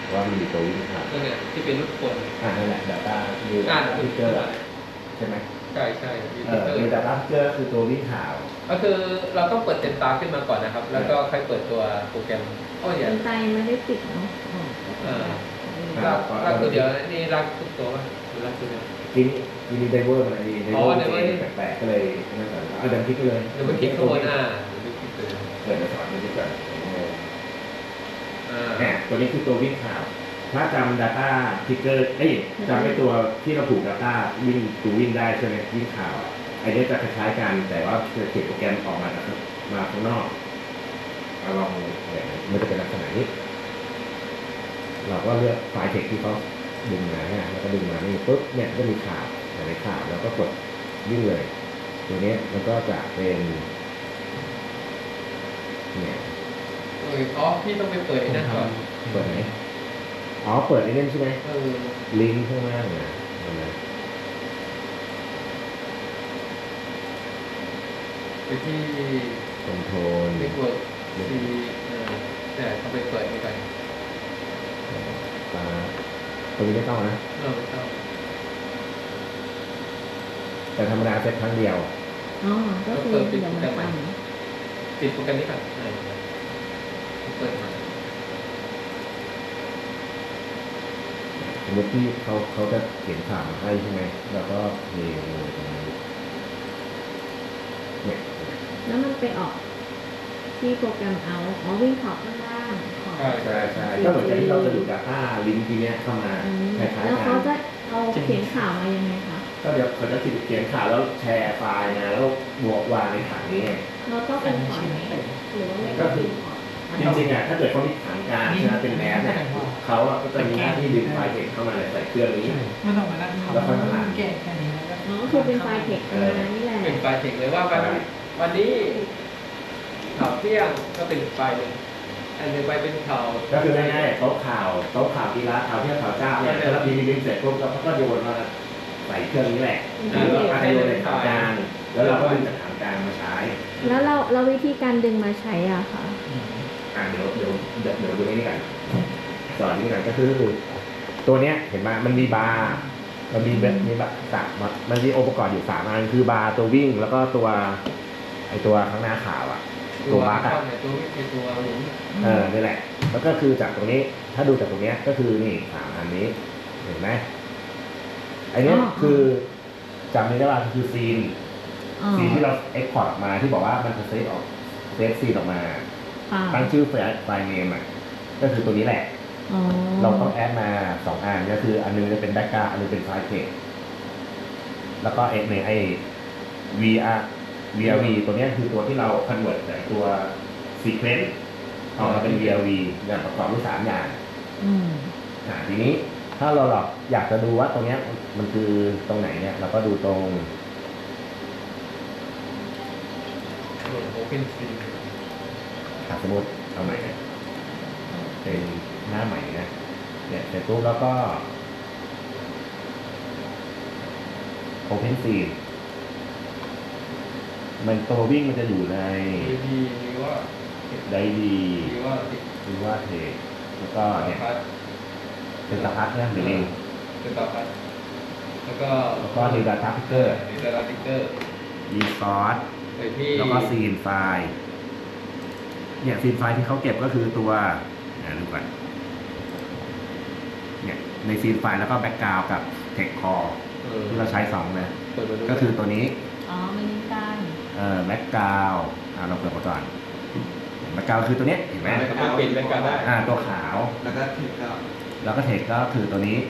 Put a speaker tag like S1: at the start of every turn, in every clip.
S1: ว่ามันมีตัววิ่งผ่าน
S2: นั่นเนี่ยที่เป็นรูปคน
S1: นั่นแหละ Data มี Data Picker ใช่ไหม
S2: ใช่ใช่
S1: มี Data Picker คือตัววิ่งข่าว
S2: ก็คือเราต้องเปิดเต็มตาขึ้นมาก่อนนะครับแล้วก็ค่อยเปิดตัวโปรแกรม
S3: เต็มตายังไม่ได้ปิดเนาะ
S2: รักตัวเดียวนี่รักทุกตัวป่ะหรือรักตัวเดียว
S1: ทีนี้ไดเวอร์มันอะไรไดเวอร์แปลกๆก็เลยนั่นก่อนเดินคลิกไปเลย
S2: เดี๋ยวมันคลิกข้างบน
S1: เปิดมาสอนมันดีกว่าตัวนี้คือตัววิ่งข่าวถ้าจำ Data Picker จำไอ้ตัวที่เราผูก Data วิ่งได้ใช่ไหมวิ่งข่าวไอ้นี้จะคล้ายๆกันแต่ว่าจะเขียนโปรแกรมออกมาข้างนอกลองมันจะเป็นลักษณะนี้เราก็เลือกไฟล์เทคที่เขาดึงมาเนี่ยแล้วก็ดึงมานี่ปุ๊บเนี่ยก็มีข่าวในข่าวแล้วก็กดวิ่งเลยตัวนี้มันก็จะเป็นเนี่ย
S2: พี่ต้องไปเปิดไอ้นั่นก่อน
S1: เปิดไหนเปิดไอ้นั่นใช่ไหมลิงก์ข้างล่างนะ
S2: ไปที่
S1: คอนโทรล
S2: ไปกดซีแต่ต้องไปเปิดนี่ก่อน
S1: ตรงนี้ไม่ต้องนะ
S2: ไม่ต้อง
S1: แต่ธรรมดาเซตครั้งเดียว
S3: ก็คือ
S2: ปิดโปรแกรมใหม่ปิดโปรแกรมนี้ก่อนเปิดมา
S1: สมมติที่เขาจะเขียนข่าวมาให้ใช่ไหมแล้วก็เพลงตรงนี้เนี่ย
S3: แล้วมันไปออกที่โปรแกรมเอาวิ่งขอบข้างล่าง
S1: ใช่ก็เหมือนกับที่เราจะดู Data ลิงก์ทีเนี้ยเข้ามาคล้ายๆกัน
S3: แล้วเขาจะเอาเขียนข่าวมายังไงคะ
S1: ก็เดี๋ยวเขาจะเขียนข่าวแล้วแชร์ไฟล์นะแล้วบวกวางในถังนี้
S3: เราต้องเป็นพอร์ตไหมหรือว่าไม่ต้องเป็นพอร์ต
S1: จริงๆถ้าเกิดเขามีถังกลางใช่ไหมเป็นแมสเนี่ยเขาก็จะมีหน้าที่ดึงไฟล์เทคเข้ามาใส่เครื่องนี้
S4: ไม่ต้องมานั่งทำ
S1: แล้วค่อยมาอ่าน
S4: แก้แค่นี้แล้ว
S3: คือเป็นไฟล์เทคนี่แหละ
S2: เป็นไฟล์เทคเลยว่าวันนี้ข่าวเที่ยงก็เป็นไฟล์หนึ่งอันหนึ่งไปเป็นข่าว
S1: ก็คือง่ายๆโต๊ะข่าวกีฬาข่าวเที่ยงข่าวเจ้าเนี่ยแล้วพิมพ์เสร็จปุ๊บแล้วก็โยนมาใส่เครื่องนี้แหละแล้วก็โยนในถังกลางแล้วเราก็ดึงจากถังกลางมาใช้
S3: แล้วเราวิธีการดึงมาใช้อ่ะค่ะ
S1: เดี๋ยวดูนี่กันสอนนี่กันก็คือตัวเนี้ยเห็นไหมมันมีบาร์มันมีมันมีองค์ประกอบอยู่3 อันคือบาร์ตัววิ่งแล้วก็ตัวข้างหน้าข่าวตัวบัค
S2: ตัวหมุน
S1: นี่แหละแล้วก็คือจากตรงนี้ถ้าดูจากตรงนี้ก็คือนี่3 อันนี้เห็นไหมไอ้นี้คือจำได้ว่าคือซีนที่เราเอ็กพอร์ตออกมาที่บอกว่ามันจะเซฟซีนออกมาตั้งชื่อไฟล์เนมก็คือตัวนี้แหละเราต้องแอดมา2 อันก็คืออันนึงจะเป็นแบ็กกราวด์อันนึงเป็นไฟล์เทคแล้วก็ในไอ้ VRV ตัวนี้คือตัวที่เราคอนเวิร์ตจากตัว Sequence ออกมาเป็น VRV อย่างประกอบด้วย3 อย่างทีนี้ถ้าเราอยากจะดูว่าตรงนี้มันคือตรงไหนเนี่ยเราก็ดูตรงสมมติเอาใหม่เป็นหน้าใหม่นะเนี่ยเสร็จปุ๊บแล้วก็ Open Scene มันตัววิ่งมันจะอยู่ในได้ดีว่าเทคแล้วก็เนี่ยเป็นตาพัดนะหรือเอง
S2: เป็นตาพัดแล้วก็
S1: ดีดาต้าพิกเกอร์ดีซอสแล้วก็ซีนไฟล์เนี่ยซีนไฟล์ที่เขาเก็บก็คือตัวดูก่อนเนี่ยในซีนไฟล์แล้วก็แบ็กกราวด์กับเทคคอร์ที่เราใช้2นะก็คือตัวนี้
S3: ไม่ได้ตั้ง
S1: แบ็กกราวด์เราเปิดมาก่อนแบ็กกราวด์คือตัวนี้เห็นไหม
S2: เปลี่ยนแบ็กกราวด์ได้
S1: ตัวขาว
S4: แล้วก็
S1: เทคก็คือตัวนี้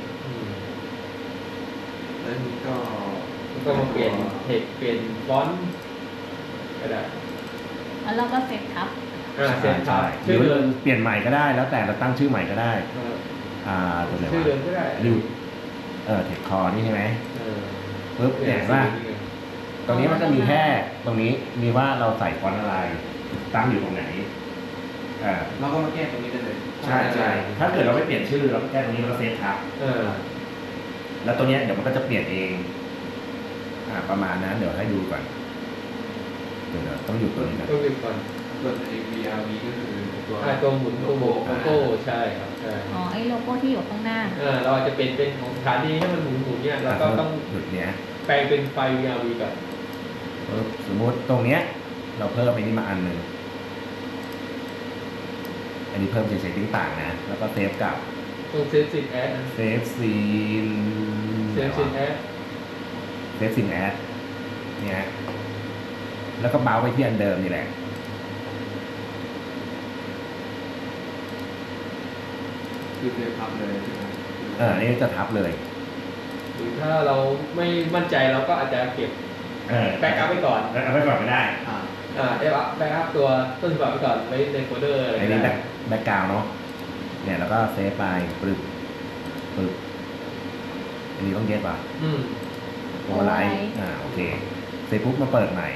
S4: แล้วนี้ก็
S2: มาเปลี่ยนเทคเปลี่ยนฟอนต์ก็ได้
S3: แล้วเราก็เซตครับ
S1: เซตครับชื่อเดิมเปลี่ยนใหม่ก็ได้แล้วแต่เราตั้งชื่อใหม่ก็ได้ตัวไหนวะ
S2: ชื่อเดิมก็ได้
S1: เทคคอร์นี่ใช่ไหมปุ๊บเห็นว่าตรงนี้มันจะมีแค่ตรงนี้มีว่าเราใส่ฟอนต์อะไรตั้งอยู่ตรงไหน
S4: เราก็มาแก้ตรงนี้ได้เลย
S1: ใช่ถ้าเกิดเราไม่เปลี่ยนชื่อเราแก้ตรงนี้เราเซฟครับแล้วตัวนี้เดี๋ยวมันก็จะเปลี่ยนเองประมาณนั้นเดี๋ยวให้ดูก่อนเดี๋ยวต้องอยู่ตัวนี้นะ
S2: ต้องอยู่ก่อน
S4: ตัว VRV ก็คือ
S2: ตัวหมุนตัวโบโก้ใช่ครับใช่
S3: ไอ้โลโก้ที่อยู่ข้างหน้า
S2: เราอาจจะเป็นของสถานีให้มันหมุนๆเนี่ยเราก็ต้อง
S1: หยุดเนี้ย
S2: แปลงเป็นไฟ VRV ก่อน
S1: สมมุติตรงเนี้ย เราเพิ่มไปนี่มาอันหนึ่งอันนี้เพิ่มเฉยๆติ้งต่างนะ แล้วก็เซฟกับ
S2: ตรงเซฟซินแอด
S1: เซฟซีน
S2: เซฟซินแอด
S1: เซฟซีนแอดเนี่ยแล้วก็เบาไปที่อันเดิมนี่แหละ
S4: คือเซฟพับเลยใช่ไหม
S1: นี่จะทับเลย
S2: หรือถ้าเราไม่มั่นใจเราก็อาจจะเก็บ แบ็กอัพไว้ก่อน
S1: เอาไปก่อนก็ได้
S2: แบ็กอัพตัวต้นฉบับไว้ก่อนไว้ในโฟลเดอร์อะไร
S1: อัน
S2: ก็
S1: นี้
S2: ได้
S1: แบ็กกราวน์เนาะเนี่ยแล้วก็เซฟไปปึบอันนี้ต้องเย็บป่ะ
S2: อืม
S1: โอเวอร์ไลท์โอเคเสร็จปุ๊บมาเปิดใหม่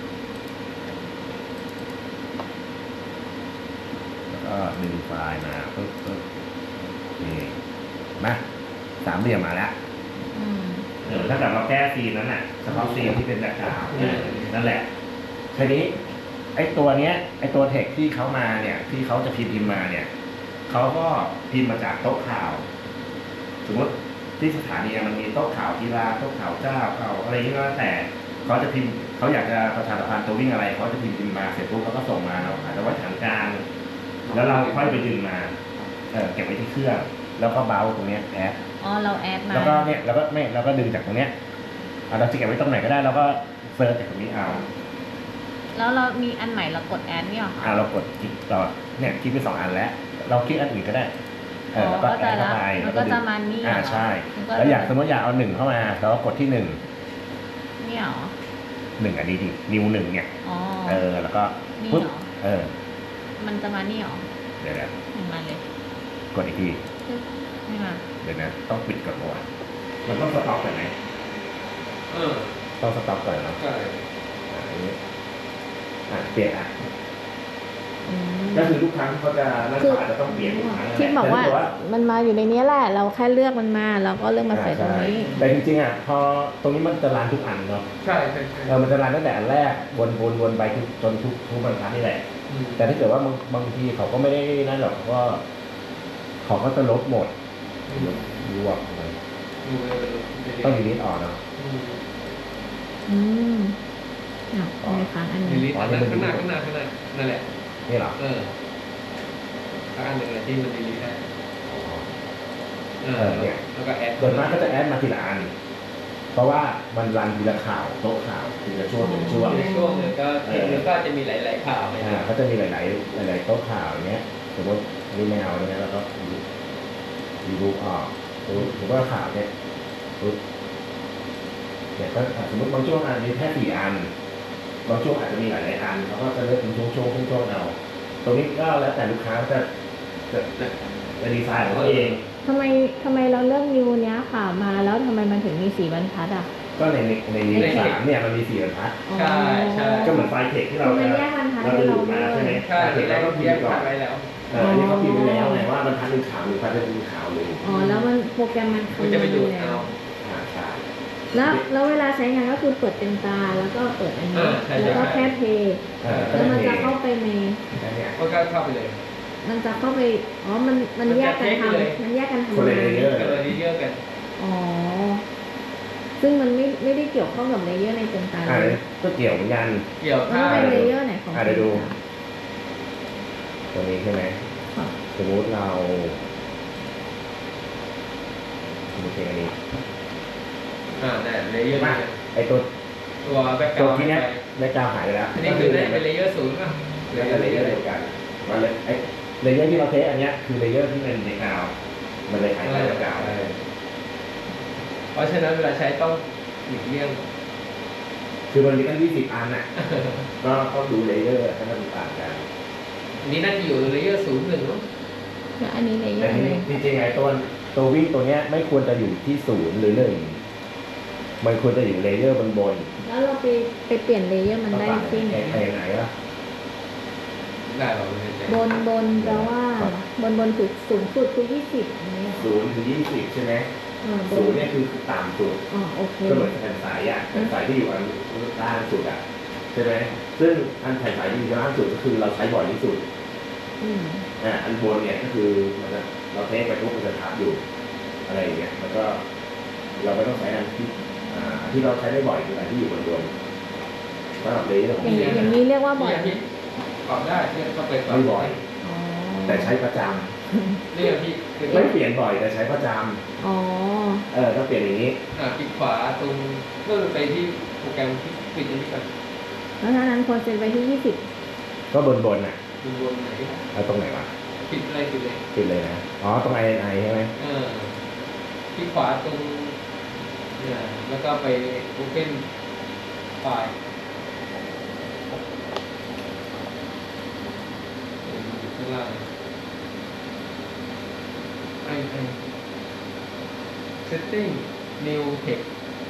S1: แล้วก็ดึงไฟล์มาปึ๊บนี่มาสามเหลี่ยมมาแล้ว
S3: อืม
S1: ถ้าเกิดเราแก้ซีนนั้นน่ะเฉพาะซีนที่เป็นแบ็คกราวด์นั่นแหละทีนี้ไอ้ตัวเนี้ยไอ้ตัวเทคที่เขามาเนี่ยที่เขาจะพิมพ์มาเนี่ยเขาก็พิมพ์มาจากโต๊ะข่าว สมมติที่สถานีมันมีโต๊ะข่าวกีฬาโต๊ะข่าวเจ้าข่าวอะไรนี่ก็แล้วแต่เขาจะพิมพ์เขาอยากจะประชาสัมพันธ์ตัววิ่งอะไรเขาจะพิมพ์มาเสร็จปุ๊บเขาก็ส่งมาเราอาจจะไว้ฐานกลางแล้วเราค่อยไปดึงมาเก็บไว้ที่เครื่องแล้วก็เบาตรงเนี้ยแอด
S3: อ๋อเราแอดมา
S1: แล้วก็เนี่ยเราก็ดึงจากตรงเนี้ยเราจะเก็บไว้ตรงไหนก็ได้เราก็เซิร์ชจากตรงนี้เอา
S3: แล้วเรามีอันใหม่เรากดแอดเนี่ยเหรอคะ
S1: เรากดคลิกต่อเนี่ยคลิกไป2 อันแล้วเราคลิกอันอื่นก็ได้แล้วก็แอดเข้าไป
S3: มันก็จะมานี่
S1: ใช่
S3: มันก็
S1: แล้วอยากสมมติอยากเอา1เข้ามาเราก็กดที่1
S3: เนี่ยเหรอ
S1: อันนี้ดินิ้ว1เนี่ย
S3: อ๋อ
S1: แล้วก็
S3: นี่
S1: ปุ๊บ
S3: เหรอมันจะมานี่เหรอ
S1: เดี๋ยว
S3: ไม่มาเลย
S1: กดอีกที
S3: ไม่มา
S1: เดี๋ยวนะต้องปิดก่อนก่อนมันต้องสต็อกก่อนไหม
S2: เออ
S1: ต้องสต็อกก่อนเนาะ
S2: ใช่
S1: อันนี้เปลี่ยน
S3: อืม
S1: ก็คือทุกครั้งเขาจะนั่นเขาอาจจะต้องเปลี่ยนทุกครั้ง
S3: ที่บอกว่า
S1: แต่ถ้
S3: มันมาอยู่ในนี้แหละ เราแค่เลือกมันมาเราก็เลือกมาใส่ตรงนี้
S1: ใช่แต่จริงๆพอตรงนี้มันจะรันทุกอันเนาะ
S2: ใช่
S1: มันจะรันตั้งแต่อันแรกวนไปจนทุกบรรทัดนี่แหละ แต่ถ้าเกิดว่าบางทีเขาก็ไม่ได้นั่นหรอกเขาก็จะลบหมดรวบเลยต้องดีลิทออกเนาะ
S3: อืมทำไมค้างอัน
S2: ดี
S3: นี้
S2: ลิทข้างหน้านั่นแหละ
S1: นี่เหรอ
S2: อันหนึ่งเลยที่มันดีลิทได้แล้วก็แอด
S1: ส่วนมากก็จะแอดมาทีละอัน เพราะว่ามันรันทีละข่าวโต๊ะข่าวทีละช่วงเป็นช่วง
S2: ในช่วงหนึ่งก็จะมีหลายๆข่าวเลย
S1: เขาจะมีหลายโต๊ะข่าวอย่างเงี้ยสมมตินี่ไม่เอาเนี่ยแล้วก็รีบูออกสมมติว่าข่าวเนี่ยปุ๊บเนี่ยก็สมมติบางช่วงอันมีแค่4 อันบางช่วงอาจจะมีหลายอันเขาก็จะเลือกเป็นช่วงเอาตรงนี้ก็แล้วแต่ลูกค้าจะดีไซน์ของเขาเอง
S3: ทำไมเราเลือกนิวเนี้ยค่ะมาแล้วทำไมมันถึงมี4 บรรทัดอ่ะ
S1: ก็ในนิว3เนี่ยมันมี4 บรรทัด
S2: ใช่
S1: ก็เหมือนไฟล์เทคที่เรา
S3: มันแยกบรรทัด
S1: เรา
S3: ให้
S1: ดู
S3: เรา
S1: ดมาใช่ไหม
S2: ใช่
S1: เทค
S2: แล้
S1: เรา
S2: ว
S1: ก็
S2: ก็
S1: พิ
S2: แย
S1: ม
S2: ก
S1: พ์ก่อน
S2: ไว้แล้ว
S1: อันนี้เขาพิมพ์ไปแล้วไงว่าบรรทัด1 ข่าว1บรรทัด1 ข่าว1
S3: อ๋อแล้วมันโปรแกรมมัน
S2: มันจะไปดูดเอา
S1: ใช่
S3: แล้วเวลาใช้งานก็คือเปิดเต็มตาแล้วก็เปิดอันนี้แล้วก็แค่เพย์แล้วมันจะเข้าไปใน
S2: ก็เข้าไปเลย
S3: มันจะเข้าไปมันแยกกันทำมันแยกกันทำ
S1: คนละ
S3: งาน
S1: เลเยอร์
S2: ก็เลยเยอะกัน
S3: อ๋อซึ่งมันไม่ได้เกี่ยวข้องกับเลเยอร์ในเต็มตาเลย
S1: ก็เกี่ยวเหมือนกัน
S2: เกี่ยว
S3: มัน
S2: ถ้า
S3: เป็นเลเยอร์ไหนของ
S1: เดี๋ยวดูตัวนี้ใช่ไหม
S3: ค่ะ
S1: สมมติเราโอเคอันนี้
S2: เนี่ยเลเยอร์
S1: ไอตัว
S2: แบ็กก
S1: ตั
S2: ราว ด์
S1: ที่เนี้ยได้กาวหายไปแล้ว
S2: อันนี้คือได้เป็นเลเยอร์ศูนย์ป่ะ
S1: แล้วก็เลเยอร์เดียวกันมันเลยไอเลเยอร์ที่เราเทสอันเนี้ยคือเลเยอร์ที่เป็นในกาวมันเลยหายไปจากกาว
S2: เพราะฉะนั้นเวลาใช้ต้องหลีกเลี่ยง
S1: คือมันมีตั้ง20 อันน่ะก็ต้องดูเลเยอร์ให้มันต่างกัน
S2: อันนี้น่าจะอยู่เลเยอร์ศูนย์1มั้ง
S3: แล้วอันนี้เลเยอ
S1: แต่
S3: ร์อะไร
S1: จริงๆไงตัววิ่งตัวเนี้ยไม่ควรจะอยู่ที่0 หรือ 1มันควรจะอยู่เลเยอร์บน
S3: แล้วเราไปเปลี่ยนเลเยอร์มันได้ที่ไหน
S1: ไหนวะ
S2: ได้หรอไม่แน่ใจ
S3: บนแปลว่าบนคือสูงสุดคือ20อันนี้
S1: 0 ถึง 20ใช่ไหม
S3: บน
S1: 0เนี่ยคือต่ำสุด
S3: โอเค
S1: ก็เหมือนแผ่นสายแผ่นสายที่อยู่อันล่างสุดใช่ไหมซึ่งอันแผ่นสายที่อยู่ล่างสุดก็คือเราใช้บ่อยที่สุด
S3: อืม
S1: อันบนเนี่ยก็คือมันเราเทคไปปุ๊บมันจะทับอยู่อะไรอย่างเงี้ยแล้วก็เราไม่ต้องใช้อันที่ที่เราใช้ได้บ่อยคืออันที่อยู่บนสำหรับเลเยอร์ของ
S3: อย่าง
S1: เสียง
S3: อย่างนี้เรียกว่าบ่อย
S2: พี่ปรับได้เนี่ยก็ไปปรับ
S1: ไม่บ่อย
S3: อ๋อ
S1: แต่ใช้ประจ
S2: นี่พี่คือ
S1: ำไม่เปลี่ยนบ่อยแต่ใช้ประจ
S3: อ๋อ
S1: ำก็เปลี่ยนอย่างนี้
S2: คลิกขวาตรงเมื่อไปที่โปรแกรมที่ปิดอันนี้ก่อน
S3: แล้วถ้านั้นควรเซ็นไปที่20
S1: ก็บนน่ะ
S2: ดูรวมไหน
S1: เอาตรงไหนวะ
S2: ปิดอะไรปิดเลย
S1: ปิดเลยนะอ๋อตรง INI ใช่ไหม
S2: คลิกขวาตรงเนี่ยแล้วก็ไป Open ไฟล์ข้างล่างไอ setting new text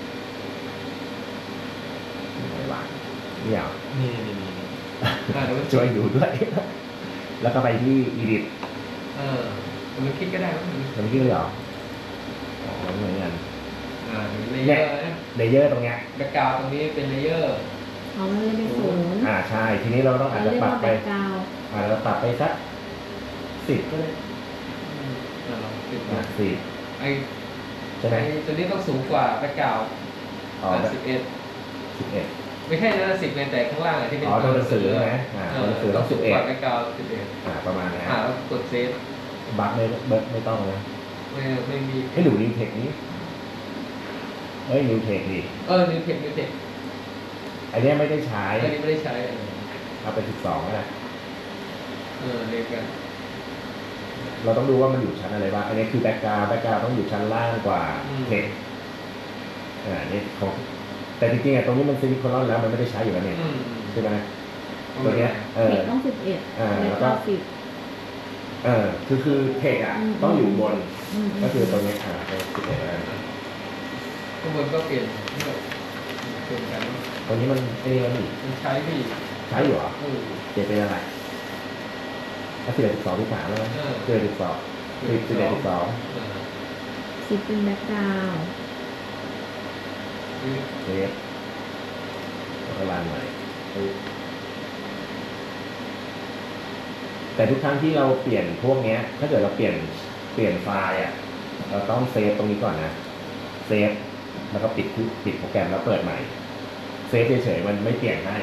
S1: ไม่วางเนี่ยเหรอ
S2: นี่เดี๋ยวมัน
S1: ช่วยดูด้วย แล้วก็ไปที่ edit
S2: มันคลิกก็ได้มั้ง
S1: มันขึ้นเลยเหรออ๋อเหมือนกัน
S2: เลเยอร์นะ
S1: เลเยอร์ตรงเนี้ย
S2: แบ็กกราวด์ตรงนี้เป็นเลเยอร์
S3: เอามันเลยเป็น0
S1: ใช่ทีนี้เราต้องอาจ
S3: เรา
S1: จะ
S3: เรียก
S1: ปรับ
S3: ว่า
S1: ไป
S3: แบ็กกราวด์
S1: อาจจะปรับไปสัก10ก็ได้
S2: ลองติด
S1: 10
S2: ไอ
S1: ใช่ไหม
S2: ตัวนี้ต้องสูงกว่าแบ็กกราวด์
S1: อ๋อแบบ
S2: 11
S1: 11
S2: ไม่ใช่นะ10ในแต่ข้างล่างที่เป็น
S1: ตัวหนังสือไหมตัวหนังสือต้อง
S2: สูงกว่าแบ็กกราวด์11
S1: ประมาณนั้น
S2: แล้วกดเซฟ
S1: บัคไม่ต้องนะ
S2: ไม่มี
S1: ให้ดูนิวเทคนี้นิวเทคดิ
S2: นิวเทค
S1: อันเนี้ยไม่ได้ใช้
S2: อันนี้ไม่ได้ใช้
S1: เอาไป12ก็ได้
S2: เรียกกัน
S1: เราต้องดูว่ามันอยู่ชั้นอะไรบ้างอันนี้คือแบ็กกราวด์ต้องอยู่ชั้นล่างกว่าเทคนี่ของแต่จริงๆตรงนี้มันซิลิโคนแล้วมันไม่ได้ใช้อยู่แล้วเนี่ยใช่ไหมตัวเนี้ย
S3: เทคต้อง11แล้วก็10
S1: คือเทคต้องอยู่บน ก็คือตรงนี้เป็น11แล้ว
S2: ข้างบนก็เปลี่ยนเปลี่ยนกัน
S1: ตรงนี้มัน
S2: มันใช้พี่
S1: ใช้อยู่เหรอเปลี่ยนเป็นอะไร11 12 13แล้วไหม11 12 11 12
S3: 10เป็นแบ็กกราวด์
S1: เซฟแล้วก็รันใหม่แต่ทุกครั้งที่เราเปลี่ยนพวกเนี้ยถ้าเกิดเราเปลี่ยนไฟล์เราต้องเซฟตรงนี้ก่อนนะเซฟแล้วก็ปิดโปรแกรมแล้วเปิดใหม่เซฟเฉยๆมันไม่เปลี่ยนให้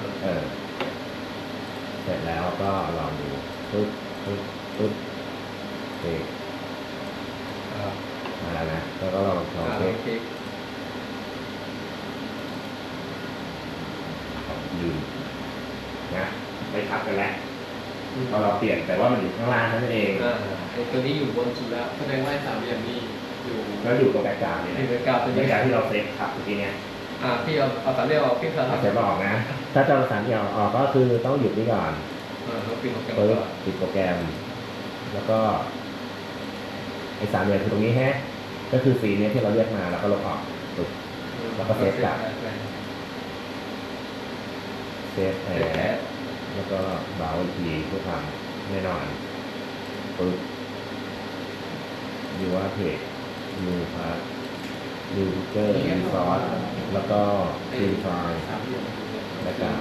S1: เสร็จแล้วก็ลองดูปึ๊บเซฟมาแล้วนะแล้วก็ลองเซฟลืมนะไม่ทับกันแล้วพอเราเปลี่ยนแต่ว่ามันอยู่ข้างล่างนั่นเอง
S2: ตัวนี้อยู่บนสุดแล้วแสดงว่า3เหลี่ยมนี้อยู่
S1: แล้วอยู่ตรงแบ็กกราวด์นี่แหละ
S2: แบ็กกราวด์ตัว
S1: แบ็
S2: นี้
S1: กกราวด์ที่เราเซฟทับเมื่อกี้เนี่ย
S2: พี่เอาสามเหลี่ยมออกพี่สามเห
S1: เอา
S2: ลี่ยม
S1: เซฟออกนะถ้าจะเอาสามเหลี่ยมออกก็คือต้องหยุดนี่ก่อน
S2: เราปิดโปรแกรม
S1: ปึ๊บ
S2: ก่อน
S1: ปิดโปรแกรมแล้วก็ไอ้สามเหลี่ยมคือตรงนี้ก็คือสีนี้ที่เราเรียกมาแล้วก็ลบออกปึ๊บแล้วก็เซฟกลับเซฟแอร์แล้วก็เบราว์อีกทีเพื่อทำแน่นอนปึ๊บดูว่าเพจดูพาร์ทดูพิเกอร์ดูซอสแล้วก็ดูไฟล์ แล้วก็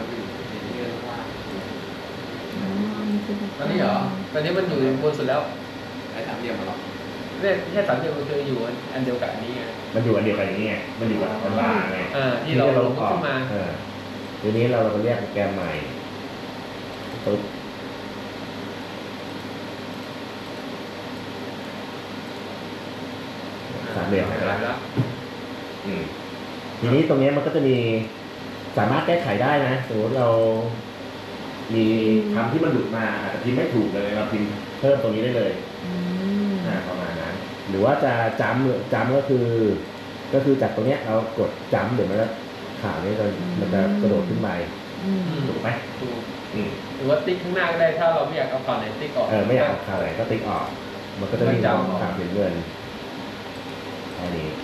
S2: ตอนนี้เหรอตอนนี้มันอยู่บนสุดแล้วไอ้สามเหลี่ยมมาหรอเนี่ยแค่สามเหลี่ยมมันคืออยู่อันเดียวกับอันนี้ไง
S1: มันอยู่อันเดียวกันอย่างนี้ไงมันอยู่อันล่างไง
S2: ที่เราลงขึ้นมา
S1: ทีนี้เราก็เรียกโปรแกรมใหม่ปึ๊บสามเหลี่ยมหายไปแล้วทีนี้ตรงนี้มันก็จะมีสามารถแก้ไขได้นะสมมติเรามีคำที่มันหลุดมาอาจจะพิมพ์ไม่ถูกเลยเราพิมพ์เพิ่มตรงนี้ได้เลยประมาณนั้นหรือว่าจะจำก็คือจากตรงเนี้ยเรากดจำเดี๋ยวมันจะข่าวนี้มันจะกระโดดขึ้นไปถูกไหม
S2: ถูกหรือว่าติ๊กข้างหน้าก็ได้ถ้าเราไม่อยากเอาข่าวไหนติ๊กออก
S1: ไม่อยากเอาข่าวไหนก็ติ๊กออกมันก็จะมีข่าวเห็นเงินอันนี้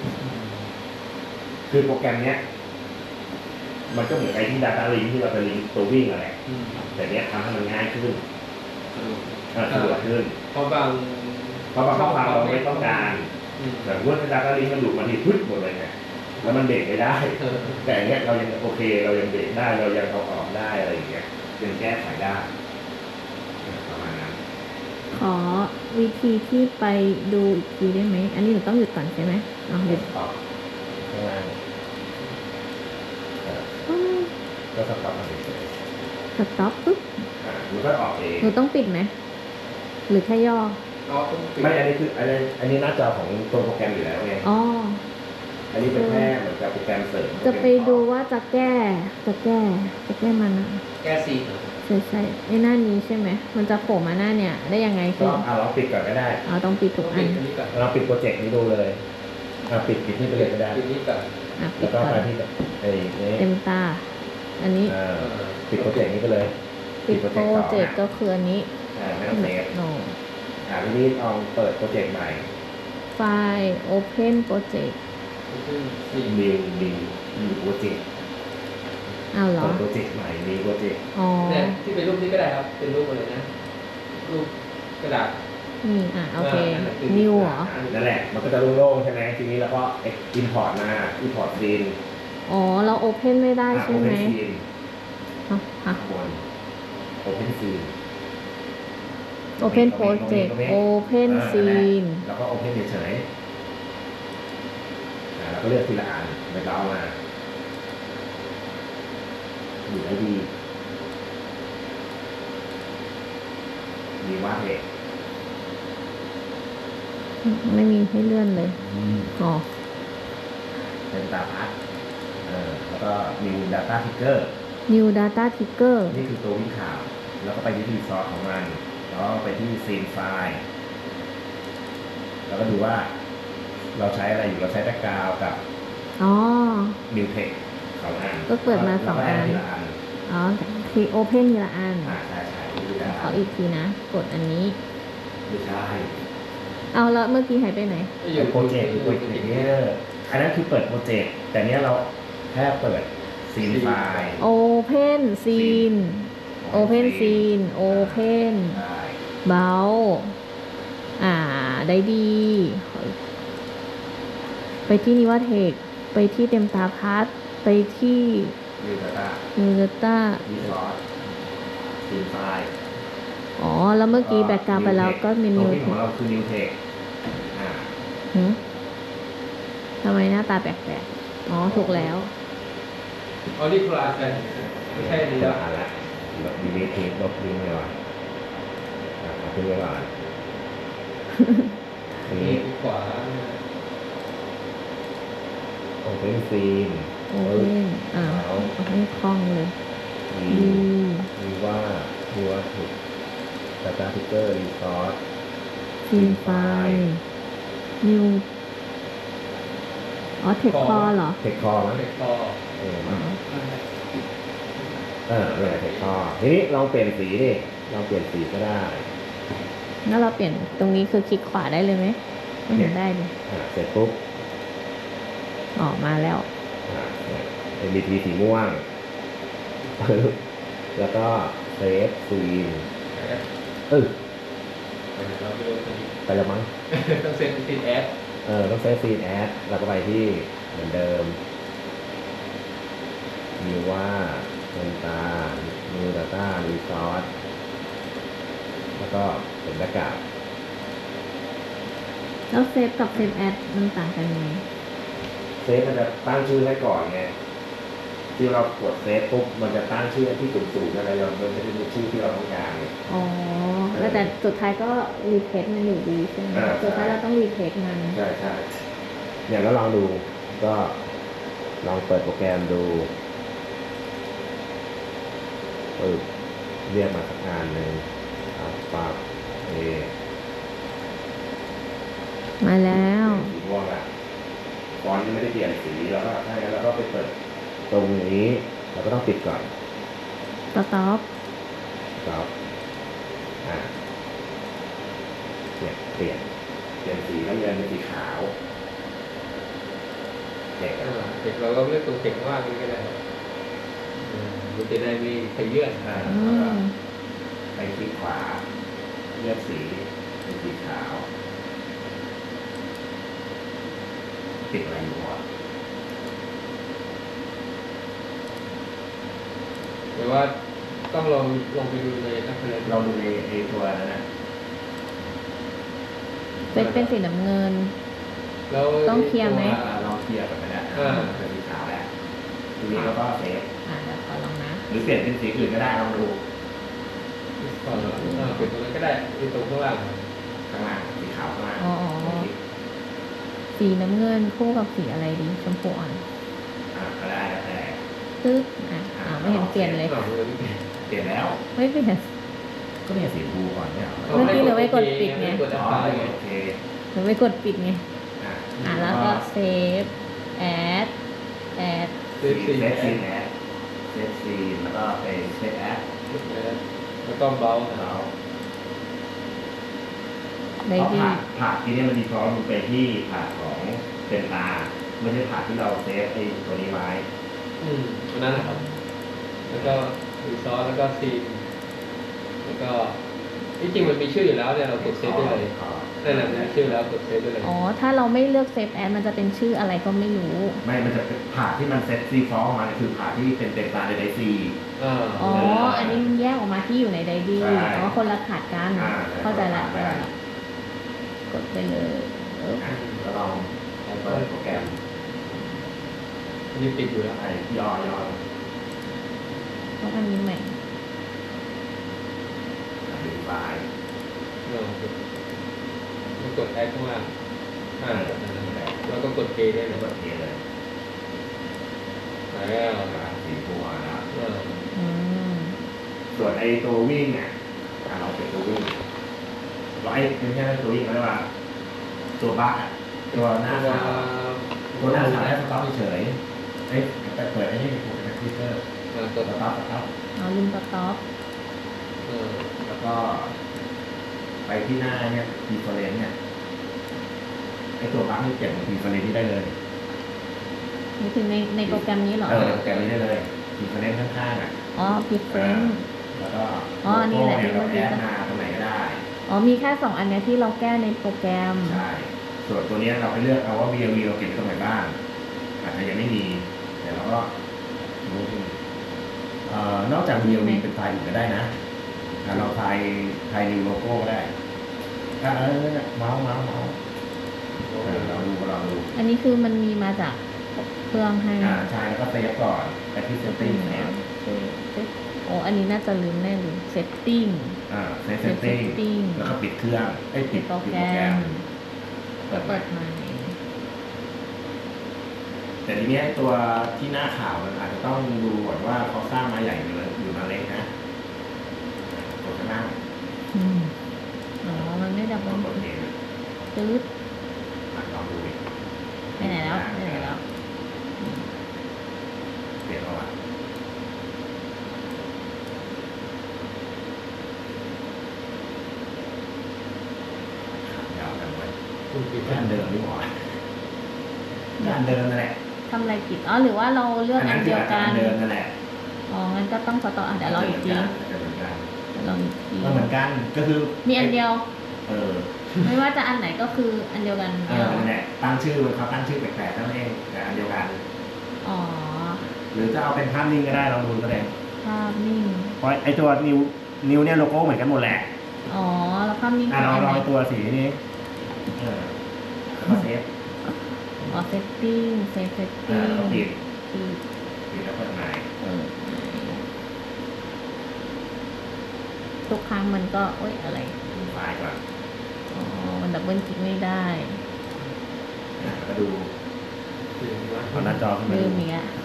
S1: คือโปรแกรมเนี้ยมันก็เหมือนไอ้ที่ Data Link ที่เราจะลิงก์ตัววิ่งอะไรแต่เนี้ยทำให้มันง่ายขึ้นสะดวกขึ้น
S2: เพราะบาง
S1: ช่องเราไม่ต้องการแต่ว่า Data Link มันหลุดมาที่พึ่งหมดเลยไงแล้วมันเบรกไม่ได้แต่เนี้ยเรายังโอเคเรายังเบรกได้เรายังเอาออกได้อะไรอย่างเงี้ยยังแก้ไขได้ประมาณนั้น
S3: ขอวิธีที่ไปดูอีกทีได้ไหม อันนี้หนูต้องหยุดก่อนใช่ไหมเอาหยุด
S1: ออกข้างล่างก็สต็อปมาเฉย
S3: สต็อปปุ๊บ
S1: มันก็ออกเอง
S3: หนูต้องปิดไหม หรือแค่ย่อ
S2: ก็ต้องปิด
S1: ไม่อันนี้คืออันนี้หน้าจอของตัวโปรแกรมอยู่แล้วไง
S3: อ๋อ
S1: อันนี้เป็นแค่เหมือนกับโปรแกรมเสริม
S3: จะไปดูว่าจะแก้มันอะ
S2: แก้ซีเหรอ
S3: ใช่ไอ้หน้านี้ใช่ไหม มันจะโผล่มาหน้าเนี่ย ได้ยังไงคื
S1: ก็
S3: อ
S1: ลองปิดก่อนก็ได้
S3: ต้องปิดทุกอั
S2: ปิ
S3: น
S2: ดอันนี้ก่อน
S1: เราปิดโปรเจกต์นี้ดูเลยปิดนี่ไปเลยก็ได้
S2: ปิดนี้ก่อน
S3: ปิ
S1: แล้
S3: ด
S1: วก็
S3: ก่อ
S1: มาน ที่ไอ้นี้
S3: เต็มตา อันนี้
S1: ปิดโปรเจกต์นี้ไปเลย
S3: ปิดโปรเจกต์
S1: ต่อ
S3: ก็คืออันนี้
S1: ไม่ต้องเซฟ
S3: โน
S1: ทีนี้ลองเปิดโปรเจกต์ใหม่
S3: ไฟล์ Open Project
S2: ซี
S1: นิวโปรเจกต์
S3: อ้าวเหรอ
S1: เปิดโปรเจกต์ใหม่นิวโปรเจกต์
S3: อ๋อ
S2: เนี่ยที่เป็นรูปนี้ก็ได้ครับ เป็นรูปอะไรนะ รูปกระดาษ
S3: นี่โอเค New เหรอ
S1: นั่นแหละ มันก็จะโล่งๆใช่ไหมทีนี้แล้วก็ import มา import scene
S3: อ๋อ เรา Open ไม่ได้ใช่ไหม
S1: open scene
S3: ฮะ
S1: ข้างบน open scene
S3: Open Project Open Scene
S1: แล้วก็ open เฉยๆแล้วก็เลือกทีละอันไปเล้ามาอยู่ได้ดีมีวาดเหตุ
S3: ไม่มีให้เลื่อนเลย อ๋อ
S1: เป็นตาพัดแล้วก็มี data picker
S3: New Data Trigger
S1: นี่คือตัววิ่งข่าว แล้วก็ไปที่รีซอสของมัน แล้วก็ไปที่ซีนไฟล์แล้วก็ดูว่าเราใช้อะไรอยู่ เราใช้แบ็กกราวด์กับ
S3: อ๋อ
S1: นิวเทคสองอัน
S3: ก็เปิดมาสองอัน
S1: แล้วก็แดทีละอัน
S3: อ๋อที Open ทีละอัน
S1: ใช่ดูได้
S3: ขออีกทีนะ กดอันนี้
S1: ไม่ใช่
S3: เอาแล้วเมื่อกี้หายไปไหน
S1: โปรเจกต์อย่างเงี้ยอันนั้นคือเปิดโปรเจกต์ แต่เนี้ยเราแค่เปิดซีนไฟล์
S3: Open Scene Open Scene Open
S1: ได้
S3: เบาได้ดี ไปที่นิวเทค ไปที่เต็มตาพัด ไปที่
S1: นิวดาต้า
S3: New Data
S1: รีซอสซีนไฟล์
S3: อ๋อ แล้วเมื่อกี้แบ็กกราวไปแล้วก็มี
S1: ตัว
S3: New
S1: ที่ของ
S3: Tech
S1: เราคือนิวเทค
S3: ทำไมหน้าตาแปลกๆ อ๋อ ถูกแล้ว
S2: อ๋อนี่คลาสกันไม่ใช่นี่
S1: เดี๋ยว
S2: แล้ว
S1: อ่านละลบดีลีทลบลิงก์เลยว่ะขึ้นไว้ก่อนอัน
S2: นี่
S1: นี้
S2: ขวา
S1: open scene
S3: โอเคเอาให้คล่องเลย
S1: มี
S3: ดี
S1: มีว่าถูก data picker resource
S3: ซีนไฟล์นิวเทคคอเหรอ
S1: เทคคอมั้ง
S2: เด็กต่อ
S1: เนี่ยเทคคอทีนี้ลองเปลี่ยนสีดิลองเปลี่ยนสีก็ได้
S3: แล้วเราเปลี่ยนตรงนี้คือคลิกขวาได้เลยไหมไม่เห็นได้เลย
S1: เสร็จปุ๊บ
S3: มาแล้ว
S1: MBT สีม่วง แล้วก็เซฟซีน
S2: เราไปดูตรงนี้
S1: ไปแล้วมั้ง
S2: ต้องเซ็นติดแอด
S1: ต้องเซฟซีนแอดแล้วก็ไปที่เหมือนเดิมมีว่าเงินตามีดาต้ารีซอสแล้วก็เป็นแบ็กกราวด์
S3: แล้วเซฟกับเซฟแอดมันต่างกันยังไง
S1: เซฟมันจะตั้งชื่อให้ก่อนไงที่เรากดเซฟปุ๊บมันจะตั้งชื่อที่สูงๆอะไรเรามันจะเป็นชื่อที่เราต้องการไง
S3: อ๋อ แล้วแต่สุดท้ายก็รีเทคมันอยู่ดีใช่ไหมสุดท้ายเราต้องรีเทคมัน
S1: ใช่อย่างนั้นลองดูก็ลองเปิดโปรแกรมดูเรียกมาสักงานหนึ่งปรับ
S3: มาแล้ว
S1: สีม่วงละฟอนต์ไม่ได้เปลี่ยนสีแล้วก็ถ้างั้นเราก็ไปเปิดตรงนี้เราก็ต้องปิดก่อน
S3: สต็อป
S1: ครับเนี่ยเปลี่ยนสีแล้วเรียนเป็นสีขาวเด็ก
S2: เด็กเราก็เลือกตัวเก่งว่ากันก็ได้มันจะได้มีใครเยื่อน
S1: แล้วก็ไปคลิกขวาเลือกสีเป็นสีขาวติดอะไรอยู่วะ
S2: หรือว่าต้องลองไปดูในนักเรียน
S1: เราดูในตัวนั้นนะ
S3: เซตเป็นสีน้ำเงิน
S2: แล้ว
S3: ต้องเคลียร์ไหม
S1: ลองเคลียร์กันไปแล้วเป็นสีขาวแล้วทีนี้เราก็เซฟ
S3: เดี๋ยวขอลองนะ
S1: หรือเปลี่ยนเป็นสีอื่นก็ได้ลองดู
S2: ก่อนเปลี่ยนตรงนั้นก็ได้ที่ตรงข้างล่าง
S1: ข้างล่างสีขาวข้างล่าง
S3: สีน้ำเงินคู่กับสีอะไรดีชมพูอ่อน
S1: ก็ได้แล้วแต่
S3: ตึ๊ดไม่เห็นเปลี่ยนเลย
S1: เปลี่ยนแล้ว
S3: ไม่เปลี่ยน
S1: ก็เนี่ยสีฟูก่อนเนี่ย
S3: เมื่อกี้เหลือไว้กดปิดไง
S1: อ๋อโอเค
S3: หรือไม่กดปิดไงแล้วก็เซฟแอด
S2: เซฟซี
S1: เซฟซีแอดเซฟซีแล้วก็ไปเซฟแอด
S2: แล้วก็เบา
S1: แล้ว
S3: ได้
S1: เพราะ
S3: ดี
S1: ผักที่นี่มันดีฟอลต์มันไปที่ผักของเป็นตาไม่ใช่ผักที่เราเซฟไอ้ตัวนี้ไว้
S2: ตัวนั้นนะครับแล้วก็รีซอสแล้วก็ซีนแล้วก็ที่จริงมันมีชื่ออยู่แล้วเนี่ยเรากดเซฟได้เลยนั่นแหละมีชื่อแล้วกดเซฟได้เลย
S3: ถ้าเราไม่เลือกเซฟแอดมันจะเป็นชื่ออะไรก็ไม่รู้
S1: ไม่มันจะเป็นผักที่มันเซตซีฟอลต์มาคือผักที่เป็นตาในซี
S3: อันนี้มันแยกออกมาที่อยู่ในไดดี้
S1: ใช่
S3: คนละขาดกัน เข้าใจละกดไปเลย
S1: ก็ลองเปิดโปรแกรม
S2: อันนี้ติดอยู่แล้ว
S1: ไอ้ย่อ
S3: เพราะอันนี้ใหม่
S1: ดูไฟล์
S2: แล้วกดแอดข้างล่างแล้วก็กดเพย์ได้เล
S1: แล้
S2: ยว
S1: ก็เทเลย
S2: แล้ว
S1: สีหัวนะ
S3: อืม
S1: ส่วนไอ้ตัววิ่งเนี่ยเราเป็นตัววิ่งเราไอ้ไม่ใช่ตัววิ่งเขาเรียกว่าตัวบั๊กตัวหน้าขาวตัวหน้าขาวให้สต็อปเฉยเอ้ยแต่เปิดไอ้นี่เป็นคอมพิวเตอร์สต็อป
S3: ลืมสต็อป
S1: แล้วก็ไปที่หน้าเนี่ยดีเฟอเรนซ์เนี่ยไอ้ตัวบั๊กนี่เก็บดีเฟอเรนซ์ที่ได้เลย
S3: นี่ถึงในโปรแกรมนี้เหรอ
S1: โปรแกรมนี้ได้เลยดีเฟอเรนซ์ข้างๆอ่ะ
S3: different
S1: แล้วก็
S3: อันนี้แหละ
S1: ที่
S3: ที่
S1: เรา
S3: เมื่อกี้
S1: แอดมาตรงไหนก็ได้
S3: มีแค่2อันเนี้ยที่เราแก้ในโปรแกรม
S1: ใช่ ส่วนตัวนี้เราไปเลือกเอาว่า VLV เราเก็บไว้ตรงไหนบ้างอาจจะยังไม่มีแต่เราก็นอกจาก VLV เป็นไฟล์อื่นก็ได้นะเราไฟล์ new logo ก็ได้เมาส์เราดู
S3: อันนี้คือมันมีมาจากเครื่องให้
S1: ใช่แล้วก็เซฟก่อนไปที่ setting เนี่ย
S3: อันนี้น่าจะลืมแน่เลย setting
S1: เซฟ setting แล้วก็ปิดเครื่องปิดโปรแกรมเปิด
S3: ใหม่
S1: แต่ทีนี้ตัวที่หน้าข่าวมันอาจจะต้องดูก่อนว่าเขาสร้างมาใหญ่หรือมาเล็กนะตัวข้างล่าง
S3: มันไม่ดับเบิล
S1: ตัวเอง
S3: ตืด
S1: ลองดูดิ
S3: ไปไหนแล้ว
S1: เปลี่ยนแล้วอ่ะยาวกันไว้ด้านเดิมไม่หมดด้านเดิมนั่นแหละ
S3: ทำอะไรผิดหรือว่าเราเลือกอันเดียวกัน
S1: เดิมนั่นแหละ
S3: งั้นก็ต้องสต็อปเดี๋ยวลองอีกที ลองอีกที
S1: ก็เหมือนกันก็คือ
S3: มีอันเดียว
S1: ไม่
S3: ว่าจะอันไหนก็คืออันเดียวกัน
S1: นั่นแหละตั้งชื่อเขาตั้งชื่อแปลกๆนั่นเองแต่อันเดียวกัน หรือจะเอาเป็นภาพนิ่งก็ได้ลองดูก็ได้
S3: ภาพนิ่ง
S1: เพราะไอตัวนิ้วเนี่ยโลโก้เหมือนกันหมดแหละ
S3: แล้วภาพนิ่ง
S1: เราลองตัวสีนี้แล้วก็เซฟ
S3: setting
S1: แล้วก็ปิด
S3: ปิด
S1: แล้วเปิดใหม่
S3: ทุกครั้งมันก็อะไร
S1: ดูไฟล์ก่อน
S3: มันดับเบิลคลิกไม่ได้
S1: แล้วก็ดูเอาหน้าจอขึ้นมา
S3: ลื
S1: ดู
S3: มอีกแล้ว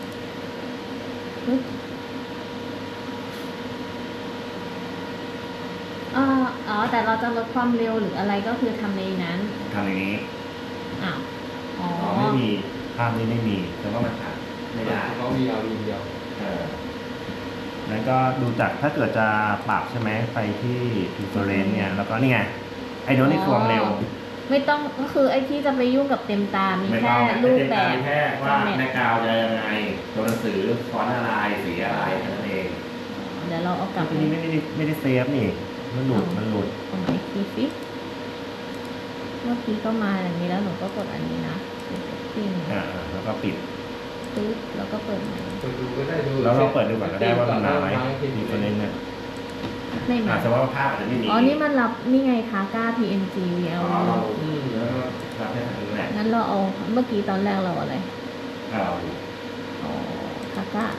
S3: แต่เราจะลดความเร็วหรืออะไรก็คือทำในนั้น
S1: ทำอย่างนี้
S3: ไม่
S1: ไม่มีภาพนี้ไม่มีแต่ว่ามันถ่ายไม่ได้
S2: เขามีเอาเดียว
S1: แล้วก็ดูจากถ้าเกิดจะปรับใช่ไหมไปที่ preference เนี่ยแล้วก็นี่ไงไอ้โน้นนี่ความเร็ว
S3: ไม่ต้องก็คือไอ้ที่จะไปยุ่งกับเต็มตา มีแค่รูปแบบ
S1: แค่ว่าแม่กาวจะยังไงตัวหนังสือฟอนต์อะไรสีอะไรแค่นั้นเอง
S3: เดี๋ยวเราเอากลับ
S1: ทีนี้ไม่ได้เซฟนี่มันหลุด
S3: เอามาอีกทีสิเมื่อกี้ก็มาอย่างนี้แล้วหนูก็กดอันนี้นะsetting
S1: แล้วก็ปิด
S3: ปึ๊บแล้วก็เปิดใหม่
S2: ดูก็ได้ดู
S1: แล้วเราเปิดดูก่อนก็ได้ว่ามันมาไหม preference เนี่ย
S3: ไม่มี
S1: สมมติว่าภาพอาจจะไม่มี
S3: อ๋อ นี่มันรับนี่ไงคะก้า PNG
S1: อ๋อ
S3: VLV
S1: เราแล้วก็รับได้ทางนั้นแหละ
S3: งั้นเราเอาเมื่อกี้ตอนแรกเราอะไร
S1: เอา
S3: อ๋อคาก้า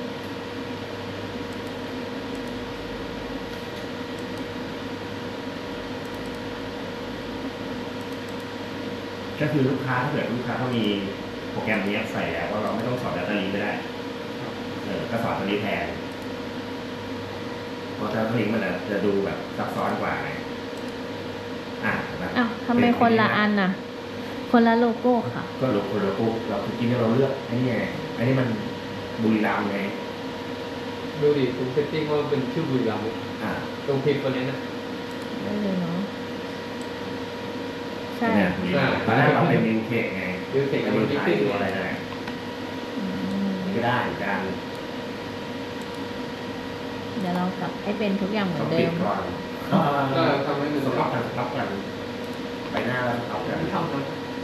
S1: ก็คือลูกค้าถ้าเกิดลูกค้าเขามีโปรแกรมนี้ใส่แล้วก็เราไม่ต้องสอน Data Link ก็ได้ก็สอนตัวนี้แทนเพราะ Data Link มันจะดูแบบซับซ้อนกว่าไงนะ
S3: อ้าวทำไมคนละอันน่ะ คนละโลโก้ค่ะ
S1: ก็โลโก้เราคือกินเราเลือกไอ้นี่ไงไอ้นี่มันบุรีรัมย์ไง
S2: ดูดิผมเซตติ้งว่าเป็นชื่อบุรีรัมย์
S1: อ่า
S2: ตรงพิมพ์ตัวนี้นะ
S3: ได้เลยเนาะ ใช่
S1: เนี่ยบุรีรัมย์ตอนแรกเราเป็นมิวเทคไง
S2: ดูเสร็จ
S1: แล้
S2: แล้ว ว
S1: มิ
S2: มั
S1: วน ไท
S2: พิ
S1: ย
S2: มพ์
S1: ตัวอะไรได้
S3: อืม
S1: ก็ได้เหมือนกัน
S3: เดี๋ยวเรากลับให้เป็นทุกอย่างเหมือ
S1: ต้อน ง
S3: เดิ
S1: ปิด
S3: ม
S1: ก่อน
S2: ก็ทำให้มัน
S1: สต็อปกันไปหน้าแล้วสต็อปกัน
S2: ทำนะ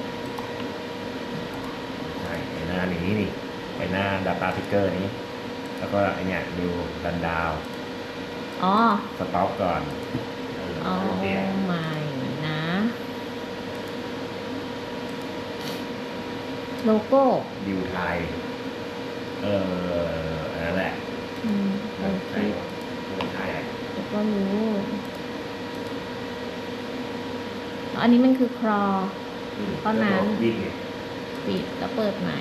S1: ใช่ไปหน้านี้นี่ไปหน้า Data Picker นี้ แล้วก็ไอเนี่ยดูรันดาว
S3: อ๋อ
S1: สต็อปก่อน
S3: เอา
S1: เปลี่ยน
S3: ใหม่นะ โลโก้
S1: ดิวไทยอันนั้นแหละ
S3: โอเค
S1: ดิวไทยอ่ะ
S3: แล้วก็รู้อันนี้มันคือครอ ตอนนั้น
S1: วิ่งไง
S3: ปิดแล้วเปิดใหม่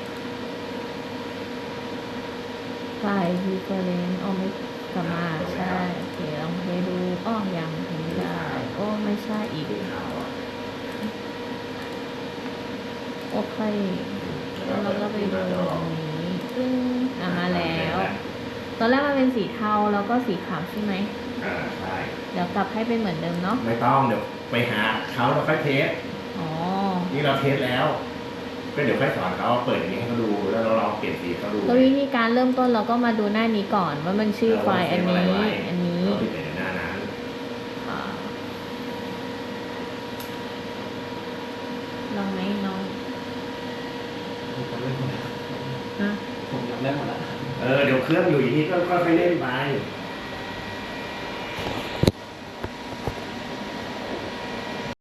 S3: ไฟล์ reference เอาไม่กลับมาใช่ โอเค ลองเพลย์ดูอ้อยังไม่ได้ โอ้ ไม่ใช่อีก
S1: ดูข่าวอ่ะ
S3: โอเค แล้วเราก็ไปดูตรงนี้ซึ่งมาแล้ว ตอนแรกมันเป็นสีเทาแล้วก็สีขาวใช่ไหม
S1: ใช่
S3: เดี๋ยวกลับให้เป็นเหมือนเดิมเนาะ
S1: ไม่ต้องเดี๋ยวไปหาเขาแล้วค่อยเทส
S3: อ๋อ
S1: นี่เราเทสแล้ว ก็เดี๋ยวค่อยสอนเขาเปิดอย่างนี้ให้เขาดูแล้วเราลองเปลี่ยนสีเขาดู
S3: แล้ววิธีการเริ่มต้นเราก็มาดูหน้านี้ก่อนว่ามันชื่อไฟล์อันนี้ อันนี้
S1: เราติดในหน้านั้น
S3: อ่าลองไหมน้อง
S4: ผมจำได้หมดแล้ว
S3: ฮะ
S4: ผมจำได้หมดแล้ว
S1: เดี๋ยวเครื่องอยู่อย่างนี้ก็ค่อยๆเล่นไป
S3: อ